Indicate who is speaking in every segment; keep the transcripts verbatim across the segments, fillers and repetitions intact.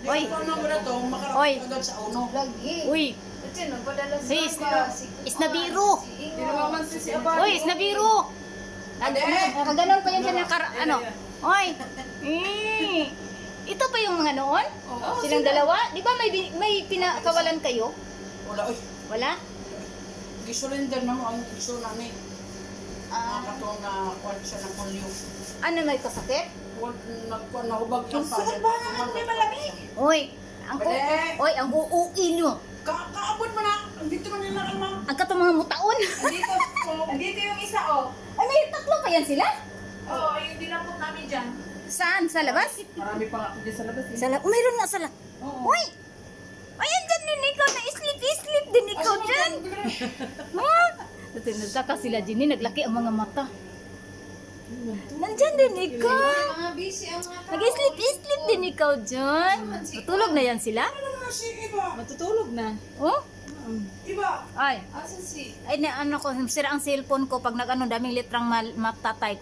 Speaker 1: Oy. Oy. Uy. Hey, is, isnabiro. Uy, isnabiro. Nakaganon pa yan sa nakar... Ano? Oy. Eh. Ito pa yung mga noon? Silang dalawa? Di ba may, bin- may pinakawalan kayo?
Speaker 2: Wala, oy.
Speaker 1: Wala?
Speaker 2: Gisurrender na mo ang gusto namin.
Speaker 1: Ah,
Speaker 2: Mga katong na kuwan siya ng polio.
Speaker 1: ano may kasakit?
Speaker 2: Huwag nagkuwan na hubag yung
Speaker 3: Saan ba nga may malamig?
Speaker 1: Oy, ang u
Speaker 2: Pwede.
Speaker 1: Oy, ang uuwi nyo.
Speaker 2: Ka kaabot mo na. Dito man nila kalma.
Speaker 1: Ang katong mga mutaon.
Speaker 3: Andito, oh, andito yung isa, oh.
Speaker 1: Ay, may tatlo pa yan sila?
Speaker 3: Oo, oh, yung dinampot namin dyan.
Speaker 1: Saan? Sa labas?
Speaker 2: Marami pa nga ako dyan sa labas. eh.
Speaker 1: Sa labas? Mayroon nga sa labas.
Speaker 2: Oo.
Speaker 1: Uy! Ayan dyan din ikaw na sleep-sleep din ikaw dyan. Ha? Nagtaka sila Jenny, naglaki ang mga mata. Nandyan din ikaw.
Speaker 3: Mga busy ang mga tao.
Speaker 1: Nag-sleep-sleep din ikaw dyan. Matulog na yan sila?
Speaker 2: Ano naman si Iba?
Speaker 3: Matutulog na.
Speaker 1: Oh?
Speaker 2: Iba.
Speaker 1: Ay.
Speaker 3: Asan si...
Speaker 1: Ay, na, ano ko, sira ang cellphone ko pag nag-ano, daming litrang mal- matatype.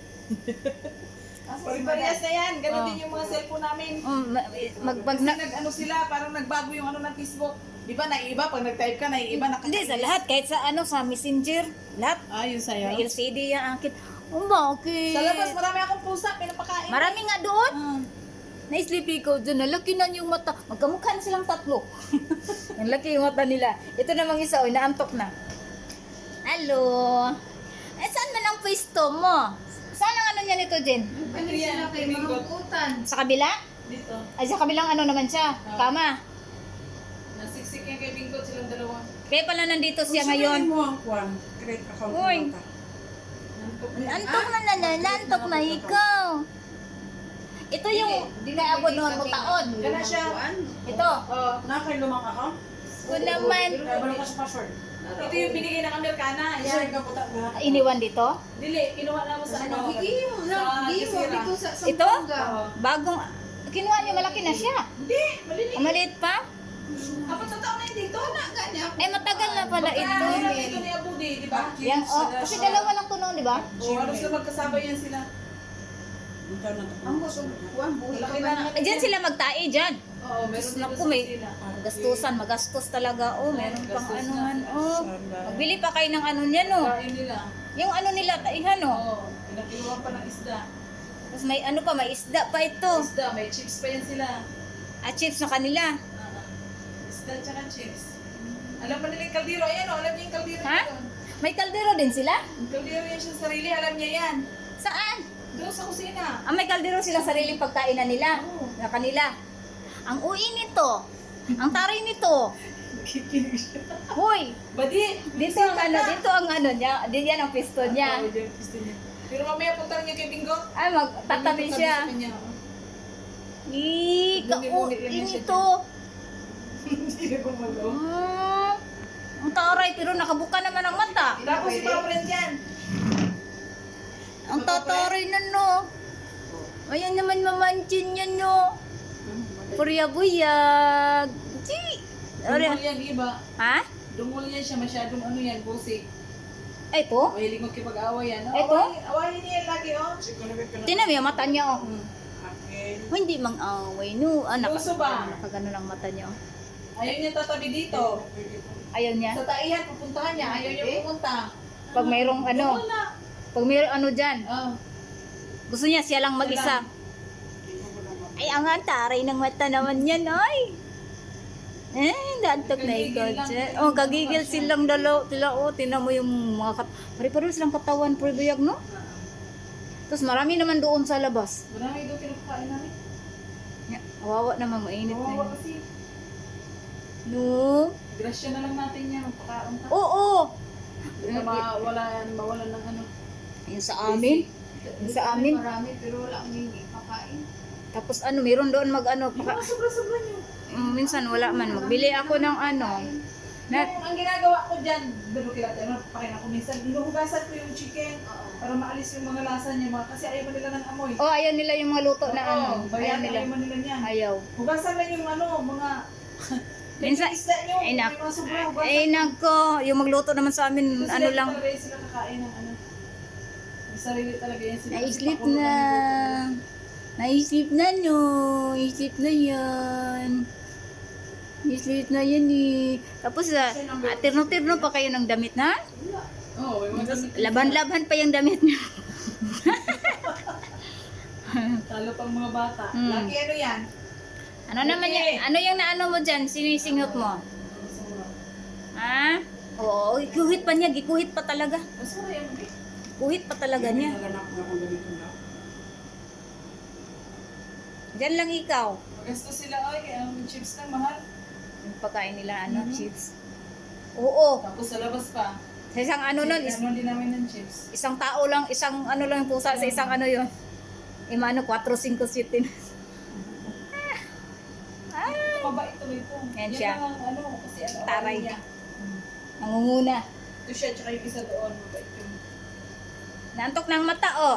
Speaker 3: Asan si Parehas na yan. Ganun
Speaker 1: Oh.
Speaker 3: din yung mga cellphone namin.
Speaker 1: Um, ma- mag, pag
Speaker 3: Kasi
Speaker 1: na,
Speaker 3: nag-ano sila, parang nagbago yung ano ng Facebook. Di ba, naiiba? Pag nag-type ka, naiiba. Naka-
Speaker 1: hindi, sa lahat, kahit sa ano, sa messenger, lahat.
Speaker 3: Ah, yun sa'yo.
Speaker 1: May L C D yan, angkit. Oh, bakit?
Speaker 3: Sa labas, marami akong pusa. Pinapakain.
Speaker 1: Marami nga doon.
Speaker 3: Ah.
Speaker 1: Na-sleepy ko dyan, nalaki na yung mata. Magkamukha na silang tatlo. Ang laki yung mata nila. Ito namang isa, oy, naantok na. Hello. Eh, saan man ang pwesto mo? Saan ang ano niya nito, Jen?
Speaker 3: Ano yan? Mingot.
Speaker 1: Sa kabila?
Speaker 3: Dito.
Speaker 1: Ay, sa kabilang ano naman siya? Kama.
Speaker 3: Nasiksik yan kay Bingot silang dalawa.
Speaker 1: Kaya pala nandito siya
Speaker 2: Kung
Speaker 1: ngayon.
Speaker 2: sabihin mo ang kuwan, create account
Speaker 1: Uy.
Speaker 2: mo ka.
Speaker 1: Antok na na na, nantok na ikaw. Ito yung dinaabot noon mo taon.
Speaker 3: Gana siya.
Speaker 1: Ito.
Speaker 3: Oh.
Speaker 2: Nakakay lumang account?
Speaker 1: Ito naman.
Speaker 2: Kaya balik ka sa password.
Speaker 3: Ito yung binigay ng Amerikana.
Speaker 2: Share
Speaker 3: Yan.
Speaker 2: ka puta na.
Speaker 1: Iniwan dito.
Speaker 3: Dili, kinuha na mo sa ano.
Speaker 4: Gigiyo na,
Speaker 3: Sa
Speaker 4: gigiyo
Speaker 3: Gisira.
Speaker 4: dito sa sa
Speaker 1: Ito?
Speaker 3: Oo.
Speaker 1: Bagong, kinuha niya malaki na siya.
Speaker 3: Hindi, maliliit.
Speaker 1: Ang maliit pa.
Speaker 3: Apat na taon na yun dito.
Speaker 4: na ganya.
Speaker 1: Eh, matagal na pala ito.
Speaker 3: Ito. Ito ni Abudi, di ba?
Speaker 1: Yan, oh, kasi dalawa lang to noon, di ba?
Speaker 3: Oo, halos na magkasabay yan sila.
Speaker 2: Ikaw na to.
Speaker 4: Ang gusto kuan buhi
Speaker 3: Malaki
Speaker 4: ka
Speaker 3: na.
Speaker 4: ba?
Speaker 1: Eh, dyan sila magtae dyan.
Speaker 3: Oo, meron dito
Speaker 1: Naku,
Speaker 3: sa
Speaker 1: may
Speaker 3: sila.
Speaker 1: gastusan, magastos talaga. Oh, meron pang
Speaker 3: Gastos
Speaker 1: ano
Speaker 3: na.
Speaker 1: man. Oh, magbili pa kayo ng ano niyan, oh.
Speaker 3: Kain nila.
Speaker 1: Yung ano nila, taihan, oh.
Speaker 3: Oo, pinakiluhan pa ng isda.
Speaker 1: Tapos may ano pa, may isda pa ito.
Speaker 3: Isda, may chips pa yan sila.
Speaker 1: At chips na kanila.
Speaker 3: Ah, isda tsaka chips. Alam pa nila yung kaldero. Ayan o, alam niya yung kaldero
Speaker 1: Ha?
Speaker 3: yun.
Speaker 1: May kaldero din sila?
Speaker 3: Yung kaldero yan siya sa sarili, alam niya yan.
Speaker 1: Saan?
Speaker 3: Doon sa kusina.
Speaker 1: Ah, may kaldero silang sariling pagkainan nila.
Speaker 3: Oo.
Speaker 1: Na kanila. Ang ui nito. Ang taray nito.
Speaker 3: Kikinig siya.
Speaker 1: Hoy,
Speaker 3: Badi!
Speaker 1: dito ang ano, dito ang ano niya. Dito yan ang pisto niya.
Speaker 3: Oo, dyan, gusto niya. Pero mamaya punta rin niya kay Bingo.
Speaker 1: Ay, magtatabi
Speaker 3: Bingo,
Speaker 1: siya.
Speaker 3: sabi sa kanya, oh.
Speaker 1: Ih,
Speaker 3: Bumi-bumi lang
Speaker 1: ka-ui
Speaker 3: yan siya
Speaker 1: nito.
Speaker 3: Hindi na gumalo.
Speaker 1: Hmm. Ang taray, pero nakabuka naman ang mata.
Speaker 3: Tapos si Papa rin yan.
Speaker 1: Ang tataray na no. Ayan naman mamanchin niya no. Purya-buyag. Chi.
Speaker 3: Dungol yan, iba.
Speaker 1: Ha?
Speaker 3: Dungol yan siya, masyadong ano yan, busik.
Speaker 1: Ito?
Speaker 3: Mahilig magkipag-away yan. Oh,
Speaker 1: Ito?
Speaker 3: Awayin, awayin niya yan lagi, oh.
Speaker 1: Tinan mo yung mata niya oh.
Speaker 3: Hmm.
Speaker 2: Okay.
Speaker 1: Oh, hindi mang away no. Ah, naka,
Speaker 3: Puso ba?
Speaker 1: nakagano lang mata niya oh.
Speaker 3: Ayaw niya tatabi dito.
Speaker 1: Ayaw niya.
Speaker 3: Sa taihan, pupuntahan niya. Ayaw niya pupunta.
Speaker 1: Pag mayroong ano,
Speaker 3: Wala.
Speaker 1: pag mayroong ano dyan,
Speaker 3: Oh.
Speaker 1: gusto niya siya lang mag-isa. Ay, ang taray ng mata naman yan, ay. Eh, dantok na ikaw dyan. Oh, gagigil silang dalaw. Tila, oh, tinan mo yung mga kat... Pari-pari silang katawan, puribuyag, no? Tapos marami naman doon sa labas.
Speaker 3: Marami doon kinakain namin.
Speaker 1: Ya, Kawawa naman, mainit na
Speaker 3: Kawawa
Speaker 1: yun.
Speaker 3: kasi.
Speaker 1: No?
Speaker 3: Grasya na lang natin yan. Magpakaon ka.
Speaker 1: Oo!
Speaker 3: Baka mawala yan, mawalan ng ano.
Speaker 1: Yung sa amin. Yung sa amin.
Speaker 4: Marami pero wala akong hindi pakain.
Speaker 1: Tapos ano, meron doon mag ano.
Speaker 3: Yung
Speaker 1: Paka,
Speaker 3: mga sobra-sobra niyo.
Speaker 1: mm, minsan wala man. Magbili ako ng ano. Na,
Speaker 3: Yung, ang ginagawa ko dyan, pero kila ano, pakain ako minsan, hinuhugasan ko yung chicken para maalis yung mga lasa niya. Mga, kasi ayaw mo nila ng amoy.
Speaker 1: oh, ayaw nila yung mga luto na
Speaker 3: Oo,
Speaker 1: ano. Ayaw
Speaker 3: bayan,
Speaker 1: nila.
Speaker 3: ayaw mo nila niyan.
Speaker 1: Ayaw.
Speaker 3: Hugasan lang yung ano, mga...
Speaker 1: Minsan-
Speaker 3: Yung isda nyo,
Speaker 1: Ay, nak-
Speaker 3: yung mga sobra, hugasan.
Speaker 1: Eh, nagko. Yung magluto naman sa amin,
Speaker 3: Kasi
Speaker 1: ano
Speaker 3: dati
Speaker 1: lang.
Speaker 3: talaga yung sila kakain ng ano. May sarili talaga yan sila.
Speaker 1: Naislit
Speaker 3: Pakulo
Speaker 1: na.
Speaker 3: lang yung luto nila.
Speaker 1: Naisip na no. Isip na yan. Isip na yan eh. Tapos, uh, uh, tirno-tirno pa kayo ng damit na?
Speaker 3: Oo, may mga
Speaker 1: Laban-laban pa yung damit niya.
Speaker 3: talo pang mga bata.
Speaker 1: Hmm.
Speaker 3: Lagi ano yan?
Speaker 1: Ano naman yan? Ano yung naano mo dyan? Sinisingot mo? Ha? Oo, ikuhit pa niya. Gikuhit pa talaga.
Speaker 3: Masura yan, babe.
Speaker 1: Kuhit pa talaga niya.
Speaker 2: Naganak na akong ganito na.
Speaker 1: Diyan lang ikaw.
Speaker 3: Magasto sila ay, kaya ang chips na mahal.
Speaker 1: Yung pagkain nila, ano, chips. Oo.
Speaker 3: Tapos sa labas pa.
Speaker 1: Sa isang ano nun, is,
Speaker 3: Ano din namin ng chips.
Speaker 1: isang tao lang, isang ano lang yung pusa sa isang ano yun. Imano, four, five, six. Ah,
Speaker 3: Mabait tuloy ito.
Speaker 1: Yan
Speaker 3: Yan
Speaker 1: siya.
Speaker 3: ang ano, kasi ano,
Speaker 1: Taray.
Speaker 3: ano niya.
Speaker 1: nangunguna.
Speaker 3: Ito siya, tsaka yung isa doon. Mabait yun.
Speaker 1: Naantok ng mata, oh.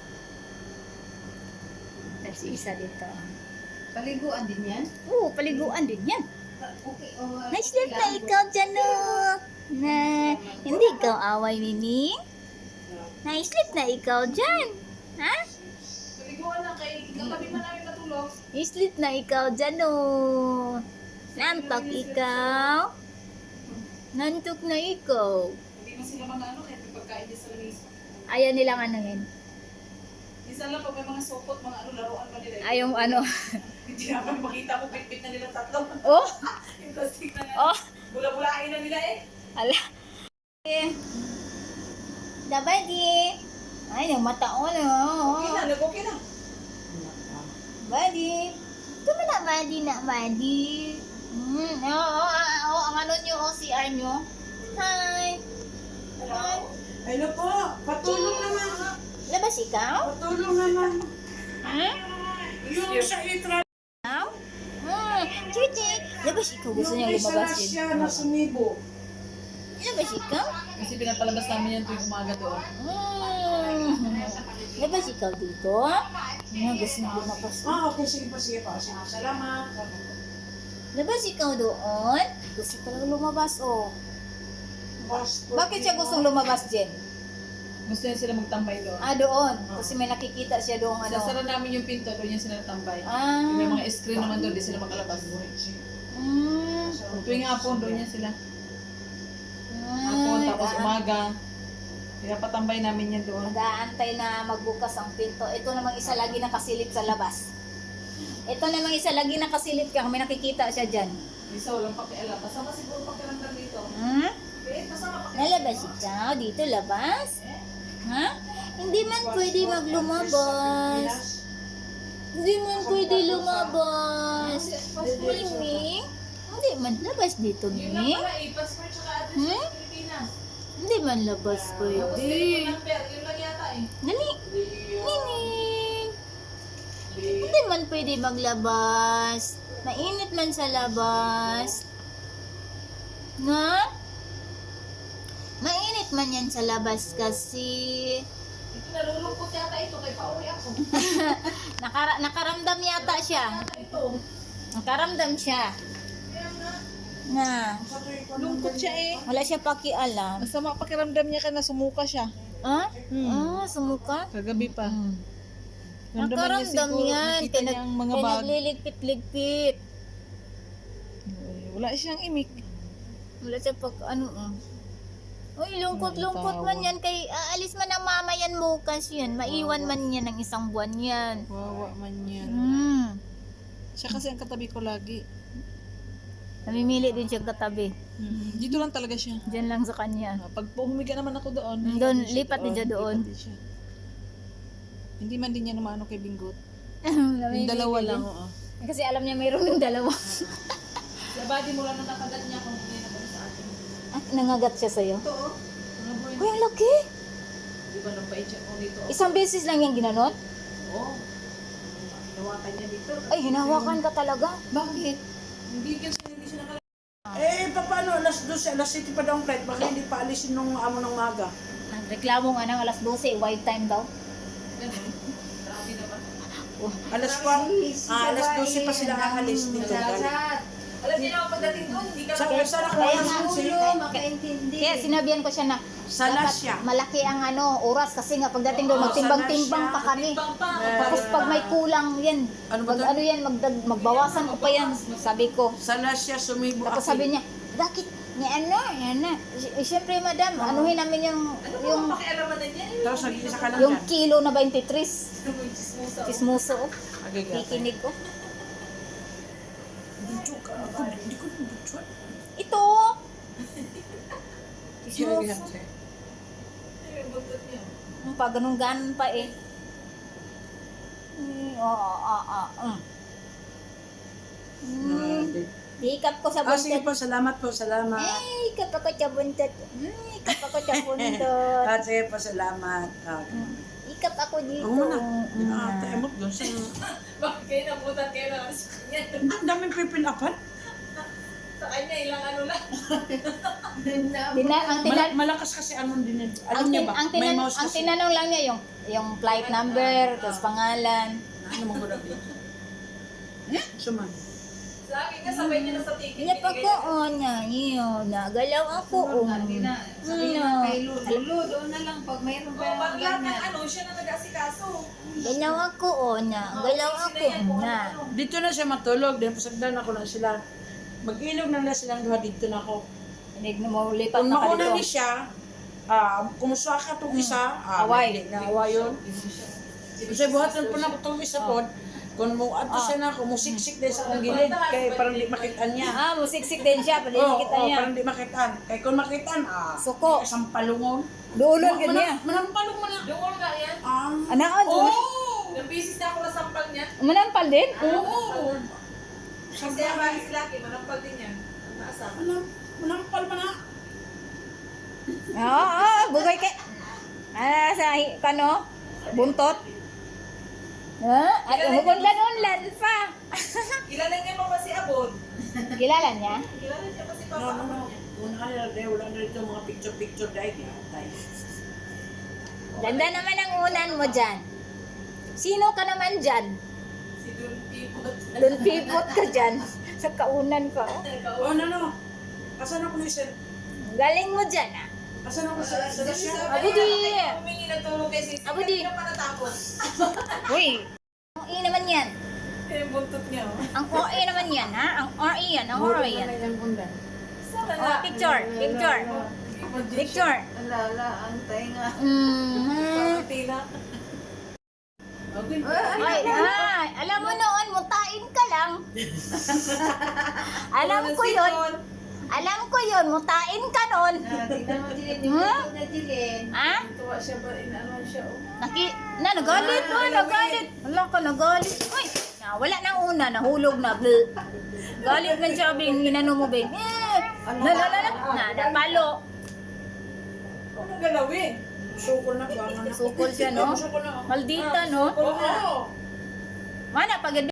Speaker 1: Tapos isa dito.
Speaker 4: Paliguan din yan?
Speaker 1: Oo, paliguan din yan.
Speaker 4: Okay, oh.
Speaker 1: Nice lang na ikaw dyan, oh. Na, hindi ikaw away, Mimi. Nice lang na ikaw dyan. Ha?
Speaker 3: Paliguan lang kay, katabi man namin matulog.
Speaker 1: Islit na ikaw dyan, oh. Nantok ikaw. Nantok na ikaw.
Speaker 3: Hindi mo sila mga ano, kaya pagkain niya sa langis.
Speaker 1: Ayaw nilang anuhin.
Speaker 3: Isa lang pag may mga sopot, mga ano, laruan pa nila.
Speaker 1: Ayaw ano.
Speaker 3: Hindi naman makita mo, pitpit na nila tatlo.
Speaker 1: Oh,
Speaker 3: Yung plastic na nga.
Speaker 1: oh.
Speaker 3: Bula-bulain na nila eh.
Speaker 1: Ala. Eh. Dabadi. Ay, yung mata ko na.
Speaker 3: Okay na, nag-okay na.
Speaker 1: Badi. Ito mo na, Badi na, Badi. Hmm, oo, oh, oh, oh, ang ano nyo, O C R nyo. Hi. Hi.
Speaker 2: Hello po, patulong naman.
Speaker 1: Labas ikaw?
Speaker 2: Patulong naman.
Speaker 1: Ha?
Speaker 2: Yung sa itra.
Speaker 1: Ikaw? Hmm, Chichi. Labas ikaw, gusto niya
Speaker 2: Yung isa
Speaker 1: lumabas
Speaker 2: na
Speaker 1: yun.
Speaker 2: siya na sumibo.
Speaker 1: Labas ikaw?
Speaker 3: Kasi pinapalabas namin yan tuwing umaga doon.
Speaker 1: Hmm. Labas ikaw dito? Ano, gusto niya lumabas.
Speaker 2: Ah, okay, sige pa, sige pa. Sige, salamat.
Speaker 1: Labas ikaw doon? Gusto talaga lumabas, oh.
Speaker 2: Basta-
Speaker 1: Bakit siya gustong lumabas, Jen?
Speaker 3: Gusto niya sila magtambay doon.
Speaker 1: Ah, doon. Kasi may nakikita siya doon, ano.
Speaker 3: Sasara namin yung pinto, doon niya sila tambay.
Speaker 1: Ah.
Speaker 3: May mga screen naman doon, di sila makalabas.
Speaker 1: Mm.
Speaker 3: Tuwing hapon, doon niya sila. Hapon, tapos umaga. Kaya patambay namin yan doon.
Speaker 1: Nag-aantay na magbukas ang pinto. Ito namang isa lagi nakasilip sa labas. Ito namang isa lagi nakasilip ka. May nakikita siya dyan.
Speaker 3: Isa walang pakialam. Kasama siguro pakiramdam dito.
Speaker 1: Hmm?
Speaker 3: Eh, kasama pakialam.
Speaker 1: Nalabas ikaw? Dito labas? Ha? Hindi man pwede maglumabas. Hindi man pwede lumabas. Mimi? Hindi man labas dito,
Speaker 3: Yun lang
Speaker 1: Mimi.
Speaker 3: pala eh, passport tsaka address
Speaker 1: Hmm?
Speaker 3: sa Pilipinas.
Speaker 1: Hindi man labas
Speaker 3: Tapos
Speaker 1: pwede.
Speaker 3: telephone number, yun lang yata eh.
Speaker 1: Dali. Nini. Hindi man pwede maglabas. Mainit man sa labas. Nga? Mainit man yan sa labas kasi.
Speaker 3: Ito nalulungkot yata ito, kay pauwi ako.
Speaker 1: Nakara nakaramdam yata siya.
Speaker 3: Yata ito.
Speaker 1: Nakaramdam siya.
Speaker 3: Kaya nga,
Speaker 1: Na.
Speaker 3: lungkot siya eh.
Speaker 1: Wala siya pakialam.
Speaker 3: Masama pakiramdam niya ka na sumuka siya.
Speaker 1: Ah? Ah, sumuka?
Speaker 3: Kagabi pa.
Speaker 1: Nakaramdam yan.
Speaker 3: Nakita niya ang mga bag.
Speaker 1: Nagliligpit-ligpit.
Speaker 3: Wala siyang imik.
Speaker 1: Wala siya pag ano oh. Uy, lungkot-lungkot man yan. Kay aalis man ang mama yan bukas yan. Maiwan man yan ng isang buwan yan.
Speaker 3: Wawa man yan.
Speaker 1: Hmm.
Speaker 3: Siya kasi ang katabi ko lagi.
Speaker 1: Namimili din siyang katabi.
Speaker 3: Dito lang talaga siya.
Speaker 1: Diyan lang sa kanya.
Speaker 3: Ah, Pag humiga naman ako doon,
Speaker 1: Mm,
Speaker 3: lipat
Speaker 1: doon,
Speaker 3: din siya
Speaker 1: lipat din siya doon.
Speaker 3: lipat din siya. Hindi man din niya naman kay Bingot.
Speaker 1: Namimili
Speaker 3: Yung dalawa
Speaker 1: din.
Speaker 3: lang, oo.
Speaker 1: Kasi alam niya mayroon ng dalawa.
Speaker 3: Sa body mo lang nakagat niya kung hindi na sa atin.
Speaker 1: Ah, nangagat siya sa'yo?
Speaker 3: Ito oh. Ano ba yun?
Speaker 1: Uy, ang laki!
Speaker 3: Di ba nang pa-check ko dito?
Speaker 1: Isang beses lang yung ginanon?
Speaker 3: Oo. Hinawakan niya dito.
Speaker 1: Ay, hinawakan ka talaga.
Speaker 3: Bakit? Hindi kasi hindi siya nakala.
Speaker 2: Eh, paano? Alas dos, alas city pa daw ang flight. Baka hindi pa alisin nung amo ng maga.
Speaker 1: Nagreklamo nga ng alas dose, white time daw.
Speaker 3: Ganun. Grabe na ba?
Speaker 2: Alas pa, ah, alas dosi pa sila aalis dito.
Speaker 3: Alam niyo na pagdating doon, hindi ka
Speaker 2: Sa
Speaker 3: lang.
Speaker 2: sana ko
Speaker 1: Kaya
Speaker 2: alas
Speaker 1: nga,
Speaker 2: dosi.
Speaker 4: Ulo, makaintindi.
Speaker 1: Kaya sinabihan ko siya na,
Speaker 2: Sa
Speaker 1: dapat
Speaker 2: Lasya.
Speaker 1: malaki ang ano, oras kasi nga pagdating doon,
Speaker 2: Oo,
Speaker 1: magtimbang-timbang
Speaker 2: sa
Speaker 1: pa kami.
Speaker 3: Timbang pa.
Speaker 1: Tapos pag may kulang yan,
Speaker 2: Ano ba
Speaker 1: mag,
Speaker 2: to?
Speaker 1: ano yan, magdag, magbawasan ko pa yan, sabi ko.
Speaker 2: Sa Lasya, sumibo
Speaker 1: Tapos
Speaker 2: ako.
Speaker 1: sabi niya, bakit ni ano, yan na. Eh, Siyempre madam, anuhin namin yung,
Speaker 3: Ano ba
Speaker 1: yung,
Speaker 3: ang pakialaman na niya?
Speaker 2: Tapos nag-isa ka lang
Speaker 1: yung
Speaker 2: dyan.
Speaker 1: kilo na twenty-three.
Speaker 3: Chismosa.
Speaker 1: Chismoso, oh.
Speaker 2: Agigatan.
Speaker 1: Kikinig ko.
Speaker 2: Budyo ka. Ako, hindi ko na budyo.
Speaker 1: Ito! Chismoso.
Speaker 2: Agigatan.
Speaker 3: Ay, yung buntot niya.
Speaker 1: Ang pa, ganun-ganon pa eh. Mm, Oo, oo, oo. Mm. Hikap ko sa
Speaker 2: Ah, sige
Speaker 1: buntot.
Speaker 2: po, salamat po, salamat.
Speaker 1: Eh, hikap ako sa buntot. Mm, hikap ako sa buntot.
Speaker 2: Ah, sige po, salamat. Ah,
Speaker 1: Mm, Hikap ako dito.
Speaker 2: Ako muna.
Speaker 1: Mm.
Speaker 2: Ah, tayo mo, doon sa...
Speaker 3: Bakit kayo nabutan kayo na sa kanya?
Speaker 2: Ang daming pipinapan.
Speaker 3: Sa kanya, ilang ano lang.
Speaker 1: Dina, ang, tina,
Speaker 2: Mal- malakas kasi anong din.
Speaker 1: ang,
Speaker 2: Alam niya
Speaker 1: tin,
Speaker 2: ba?
Speaker 1: ang,
Speaker 2: May
Speaker 1: tinan,
Speaker 2: mouse
Speaker 1: ang
Speaker 2: kasi.
Speaker 1: tinanong lang niya yung yung flight number, tapos pangalan.
Speaker 2: Ano mong gulab dito? Suman.
Speaker 3: Sa akin nga, sabay niya na sa ticket.
Speaker 1: Niya pa ko, oh, niya, yun, nagalaw ako, oh.
Speaker 4: Sabi na, sabi
Speaker 1: Ano?
Speaker 4: na kay Lulu. Lulu, doon na lang pag mayroon
Speaker 3: Oh,
Speaker 4: ka
Speaker 3: pag lahat ng
Speaker 4: ganyan.
Speaker 3: ano, siya na nag-asikaso.
Speaker 1: Galaw ako, oh, niya, galaw ako, oh, na.
Speaker 2: Dito na siya matulog. Dahil pasagdan ako na sila. Mag-ilog na na silang duha dito na ako.
Speaker 1: Hindi mo lipat
Speaker 2: Kung
Speaker 1: na ka
Speaker 2: mauna ni
Speaker 1: dito.
Speaker 2: siya, ah, kumusta ka itong isa, ah,
Speaker 1: Away.
Speaker 2: hindi na away yun. Kasi buhatan pa na ko itong isa po. Kung mo ato siya na ako, musiksik din sa akong gilid. Kaya parang di makitaan niya.
Speaker 1: Ah, musiksik din siya, pwede
Speaker 2: Oo,
Speaker 1: kita
Speaker 2: oo,
Speaker 1: niya.
Speaker 2: parang di makitaan. Kaya kung makitaan, ah,
Speaker 1: Suko.
Speaker 2: isang palungon.
Speaker 1: Duulon ka niya.
Speaker 2: Manampalong mo na.
Speaker 3: Yung nga yan.
Speaker 2: Ah,
Speaker 1: Anaon,
Speaker 2: oo.
Speaker 3: Yung bisis na ako nasampal niya.
Speaker 1: manampal din?
Speaker 2: Oo.
Speaker 3: Kasi ang bagay si Lucky, manampal din yan. Naasa.
Speaker 2: Manam- Manampal mo na.
Speaker 1: Oo, oo, bugay kay. Ah, sa hi- kano? Buntot? Ha? At hugunlan-unlan pa.
Speaker 3: Kilala niya pa ba si Abon?
Speaker 1: Kilala niya?
Speaker 3: Kilala niya pa si Papa
Speaker 2: No, no,
Speaker 3: Abon
Speaker 2: no.
Speaker 3: niya.
Speaker 2: Una ka nila, dahil wala na rito mga picture-picture dahil yan. Tayo.
Speaker 1: Ganda naman ang unan mo dyan. Sino ka naman dyan?
Speaker 3: Si Don Pipot.
Speaker 1: Doon pipot ka dyan. Sa kaunan ka. oh.
Speaker 2: Oh, no, no. Asan ako ni Sir?
Speaker 1: Galing mo dyan ah.
Speaker 2: Asan ako sa sa
Speaker 3: Kasi
Speaker 2: Russia?
Speaker 3: sabi
Speaker 1: Abu di.
Speaker 3: niya, humingi ng tulong kay Sisi.
Speaker 1: Abu di.
Speaker 3: Hindi na pa natapos.
Speaker 1: Uy. Ang i naman yan.
Speaker 3: Yung buntot niya. oh.
Speaker 1: Ang O A naman yan ha. Ang R E yan. Ang R E yan.
Speaker 3: Sana
Speaker 1: Oh,
Speaker 3: na.
Speaker 1: picture. Picture. Picture.
Speaker 4: Alala, ang tainga.
Speaker 1: Mm-hmm.
Speaker 3: Tila.
Speaker 2: Okay.
Speaker 1: Ay, ay, alam mo noon, mutain ka lang. alam ko yun. Alam ko yun, mutain ka noon.
Speaker 4: Ah, tingnan mo, Jilin. Yung
Speaker 1: Huh?
Speaker 4: buntot na Jilin.
Speaker 1: Ha?
Speaker 3: Tuwa siya ba? Inaano siya. oh.
Speaker 1: Naki, na, nagalit. Oh, nagalit. Wala ka, nagalit. Uy, na, wala na una, nahulog na. Bleh. Galit man siya, Bing. Ginano mo, Bing. Eh, na, na, na, na, na, napalo.
Speaker 3: Anong galawin?
Speaker 2: Sukol na ba?
Speaker 1: Sukol siya, no?
Speaker 2: Sukol na.
Speaker 1: Maldita, no?
Speaker 3: Oo.
Speaker 1: Mana, pag